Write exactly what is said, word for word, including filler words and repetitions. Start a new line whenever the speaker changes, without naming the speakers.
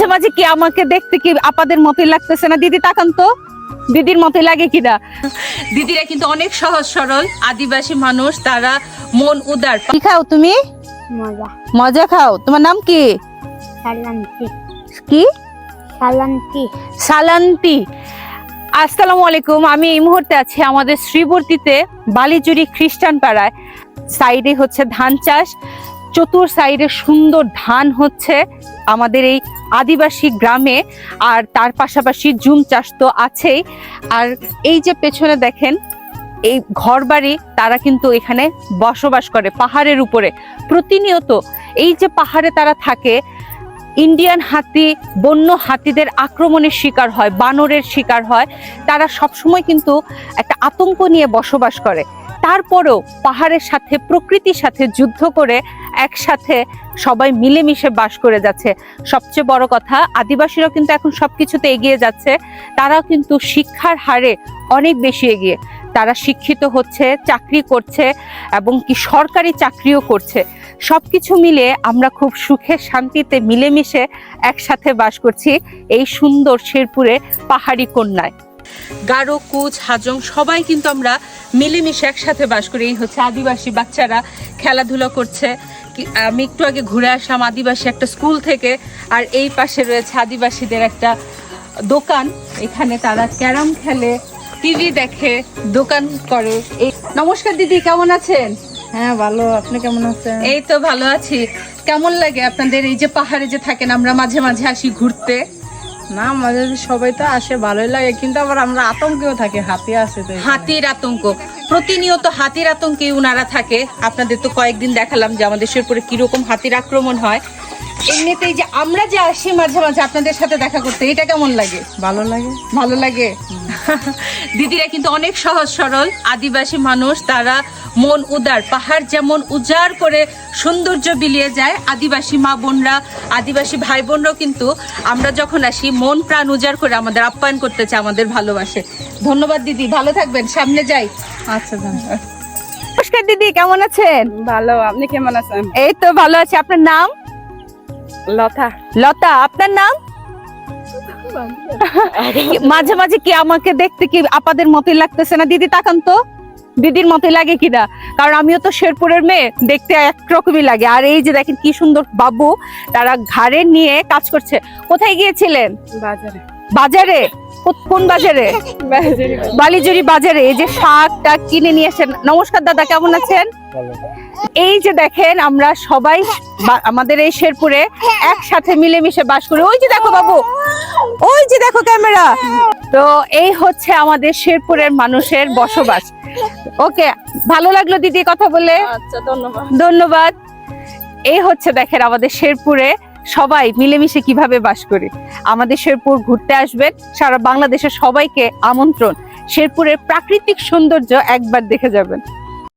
মাঝে কি আমাকে দেখতে কি আপাদের মতোই লাগতেছে না? দিদি তাকান তো, দিদির মতোই লাগে কিনা? দিদিরা কিন্তু অনেক সহজ সরল আদিবাসী মানুষ, তারা মন উদার। কি খাও তুমি?
মজা।
মজা খাও। তোমার নাম কি?
সালান্তি।
কি?
সালান্তি।
সালান্তি। আসসালামু আলাইকুম। আমি এই মুহূর্তে আছি আমাদের শ্রীবর্তীতে বালিজুরি খ্রিস্টান পাড়ায়। সাইডে হচ্ছে ধান চাষ, চতুর সাইডে সুন্দর ধান হচ্ছে আমাদের এই আদিবাসী গ্রামে, আর তার পাশাপাশি জুম চাষ তো আছেই। আর এই যে পেছনে দেখেন এই ঘরবাড়ি, তারা কিন্তু এখানে বসবাস করে পাহাড়ের উপরে। প্রতিনিয়ত এই যে পাহাড়ে তারা থাকে, ইন্ডিয়ান হাতি, বন্য হাতিদের আক্রমণের শিকার হয়, বানরের শিকার হয়। তারা সবসময় কিন্তু একটা আতঙ্ক নিয়ে বসবাস করে। তারপরেও পাহাড়ের সাথে, প্রকৃতির সাথে যুদ্ধ করে একসাথে সবাই মিলেমিশে বাস করে যাচ্ছে। সবচেয়ে বড় কথা, আদিবাসীরাও কিন্তু এখন সবকিছুতে এগিয়ে যাচ্ছে। তারাও কিন্তু শিক্ষার হারে অনেক বেশি এগিয়ে। তারা শিক্ষিত হচ্ছে, চাকরি করছে, এবং কি সরকারি চাকরিও করছে। সবকিছু মিলে আমরা খুব সুখে শান্তিতে মিলেমিশে একসাথে বাস করছি এই সুন্দর শেরপুরে পাহাড়ি কন্যায়। গারো, কুচ, হাজং সবাই কিন্তু আমরা মিলেমিশে একসাথে বাস করি। এই হচ্ছে আদিবাসী বাচ্চারা খেলাধুলা করছে। আমি একটু আগে ঘুরে আসলাম আদিবাসী একটা স্কুল থেকে, আর এই পাশে রয়েছে আদিবাসীদের একটা দোকান। এখানে তারা ক্যারাম খেলে, টিভি দেখে, দোকান করে। এই নমস্কার দিদি, কেমন আছেন?
হ্যাঁ ভালো, আপনি কেমন আছেন?
এই তো ভালো আছি। কেমন লাগে আপনাদের এই যে পাহাড়ে যে থাকেন? আমরা মাঝে মাঝে আসি ঘুরতে।
না, আমাদের সবাই তো আসে, ভালোই লাগে, কিন্তু আবার আমরা আতঙ্কেও থাকি, হাতি আছে তো।
হাতির আতঙ্ক, প্রতিনিয়ত হাতির আতঙ্কে উনারা থাকে। আপনাদের তো কয়েকদিন দেখালাম যে আমাদের শেরপুরে কিরকম হাতির আক্রমণ হয়। এমনিতেই যে আমরা যে আসি মাঝে মাঝে আপনাদের সাথে দেখা করতে, এটা কেমন লাগে?
ভালো লাগে।
ভালো লাগে। দিদিরা কিন্তু অনেক সহজ সরল আদিবাসী মানুষ, তারা মন উদার। পাহাড় যেমন উজাড় করে সৌন্দর্য বিলিয়ে যায়, আদিবাসী মা বোনরা, আদিবাসী ভাই বোনরাও কিন্তু আমরা যখন আসি মন প্রাণ উজাড় করে আমাদের আপ্যায়ন করতে চায়, আমাদের ভালোবাসে। ধন্যবাদ দিদি, ভালো থাকবেন, সামনে যাই।
আচ্ছা ধন্যবাদ।
নমস্কার দিদি, কেমন আছেন?
ভালো, আপনি কেমন আছেন?
এই তো ভালো আছি। আপনার নাম?
লতা।
লতা। আপনার নাম? মাঝে মাঝে কি আমাকে দেখতে কি আপাদের মতোই লাগতেছে না? দিদি তাকান তো, দিদির মতোই লাগে কিনা? কারণ আমিও তো শেরপুরের মেয়ে, দেখতে একরকমই লাগে। আর এই যে দেখেন কি সুন্দর বাবু, তারা ঘাড়ে নিয়ে কাজ করছে। কোথায় গিয়েছিলেন?
বাজারে।
বাজারে? কোন বাজারে? বালিজুরি বাজারে। এই যে শাক টাক কিনে নিয়ে এসেন। নমস্কার দাদা, কেমন আছেন? এই যে দেখেন আমরা সবাই আমাদের এই শেরপুরে একসাথে মিলেমিশে বাস করি। ওই যে দেখো বাবু, ওই যে দেখো ক্যামেরা। তো এই হচ্ছে আমাদের শেরপুরের মানুষের বসবাস। ওকে, ভালো লাগলো দিদি কথা বলে।
আচ্ছা ধন্যবাদ।
ধন্যবাদ। এই হচ্ছে দেখেন আমাদের শেরপুরে সবাই মিলেমিশে কিভাবে বাস করি। আমাদের শেরপুর ঘুরতে আসবেন, সারা বাংলাদেশের সবাইকে আমন্ত্রণ। শেরপুরের প্রাকৃতিক সৌন্দর্য একবার দেখে যাবেন।